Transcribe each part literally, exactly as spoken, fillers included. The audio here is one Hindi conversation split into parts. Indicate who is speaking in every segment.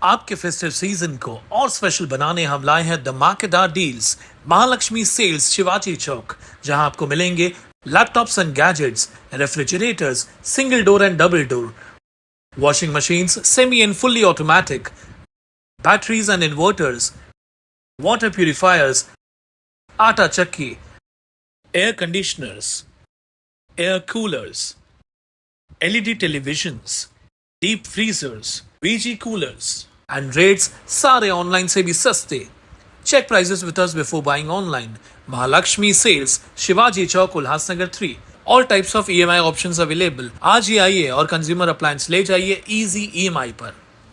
Speaker 1: आपके फेस्टिव सीजन को और स्पेशल बनाने हम लाए हैं धमाकेदार डील्स महालक्ष्मी सेल्स शिवाजी चौक, जहां आपको मिलेंगे laptops and gadgets, refrigerators, single door and double door, washing machines, semi and fully automatic, batteries and inverters, water purifiers, atta chakki, air conditioners, air coolers, L E D televisions, deep freezers, V G coolers, and rates सारे ऑनलाइन से भी सस्ते. Check prices with us before buying online. Mahalakshmi Sales, Shivaji Chowk, Ulhasnagar three. All types of E M I options available. आज ही आइए और कंज्यूमर अप्लायंस ले जाइए इजी ई एम आई पर.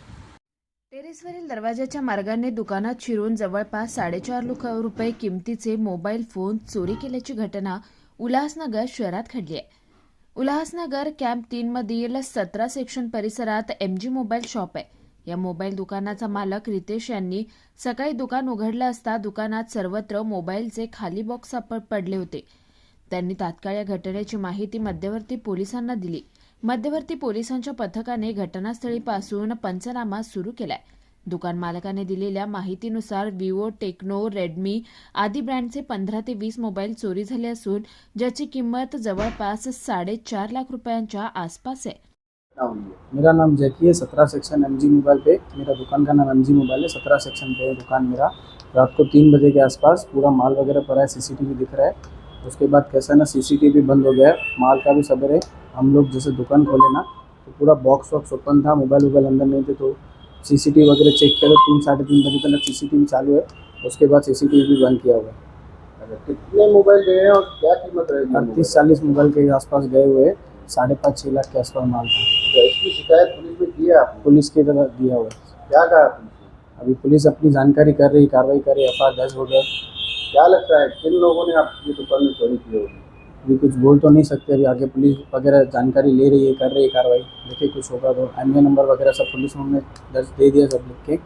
Speaker 2: टेरेसवरील दरवाजाच्या मार्गाने दुकानात शिरून जवळपास साडेचार लाख रुपये किमतीचे मोबाईल फोन चोरी केल्याची घटना उल्हासनगर शहरात घडली आहे. उल्हासनगर कॅम्प तीन मधील सतरा सेक्शन परिसरात एम जी मोबाईल शॉप आहे. या मोबाईल दुकानाचा मालक रितेश यांनी सकाळी दुकान उघडलं असता दुकानात सर्वत्र मोबाईलचे खाली बॉक्स सापड पडले होते. त्यांनी तात्काळ या घटनेची माहिती मध्यवर्ती पोलिसांना दिली. मध्यवर्ती पोलिसांच्या पथकाने घटनास्थळी पासून पंचनामा सुरू केलाय. दुकान मालकाने दिलेल्या माहितीनुसार विवो, टेक्नो, रेडमी आदी ब्रँडचे पंधरा ते वीस मोबाईल चोरी झाले असून ज्याची किंमत जवळपास साडेचार लाख रुपयांच्या आसपास आहे.
Speaker 3: मेरा नाम जैकी है. सत्रह सेक्शन एम जी मोबाइल पे मेरा दुकान का नाम एम जी मोबाइल है. सत्रह सेक्शन पे है दुकान मेरा. रात को तीन बजे के आसपास पूरा माल वगैरह पड़ा है, सीसीटीवी दिख रहा है. उसके बाद कैसा ना सीसीटीवी बंद हो गया है, माल का भी सबर है. हम लोग जैसे दुकान खोले ना तो पूरा बॉक्स वॉक्स ओपन था, मोबाइल वोबाइल अंदर नहीं थे. तो सीसीटीवी वगैरह चेक किया तो तीन साढ़े तीन बजे तक सीसीटीवी चालू है. उसके बाद सीसीटीवी भी बंद किया हुआ है.
Speaker 4: कितने मोबाइल गए हैं और क्या कीमत रहेगी?
Speaker 3: अड़तीस चालीस मोबाइल के आसपास गए हुए हैं. साढ़े पाँच छः लाख के आसपास माल था.
Speaker 4: तो इसकी शिकायत पुलिस में की है आपने?
Speaker 3: पुलिस की तरफ दिया हुआ है.
Speaker 4: क्या कहा पुलिस ने?
Speaker 3: अभी पुलिस अपनी जानकारी कर रही, कार्रवाई कर रही. एफ आई आर दर्ज हो गया.
Speaker 4: क्या लगता है किन लोगों ने आपकी दुकान में चोरी की होगी?
Speaker 3: अभी कुछ बोल तो नहीं सकते. अभी आगे पुलिस वगैरह जानकारी ले रही है, कर रही है कार्रवाई. देखिए कुछ होगा तो एम ए नंबर वगैरह सब पुलिस ने दर्ज दे दिया सब लिख के.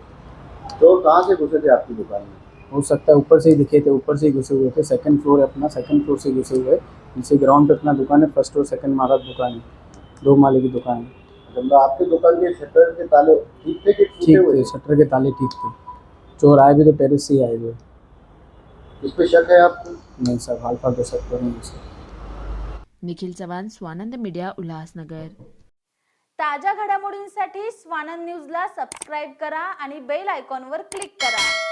Speaker 4: तो कहाँ से घुसे थे आपकी दुकान में?
Speaker 3: हो सकता है ऊपर से ही दिखे थे, ऊपर से ही घुसे हुए थे. सेकंड फ्लोर है अपना, सेकंड फ्लोर से घुसे हुए. नीचे ग्राउंड पे अपना दुकान है. फर्स्ट और सेकंड मारा दुकान है, दो माले की दुकान है.
Speaker 4: जब आपकी दुकान के शटर के ताले ठीक थे कि टूटे
Speaker 3: ठीक
Speaker 4: हुए
Speaker 3: थे, शटर के ताले ठीक थे. चोर आए भी तो टेरेस से ही आए हुए.
Speaker 4: इस पे शक है आपको?
Speaker 3: नहीं सर, हाल फाल तो शक तो नहीं है सर.
Speaker 2: निखिल चव्हाण, स्वानंद मीडिया, उल्हासनगर.
Speaker 5: ताज्या घडामोडींसाठी स्वानंद न्यूजला सबस्क्राईब करा आणि बेल आयकॉनवर क्लिक करा.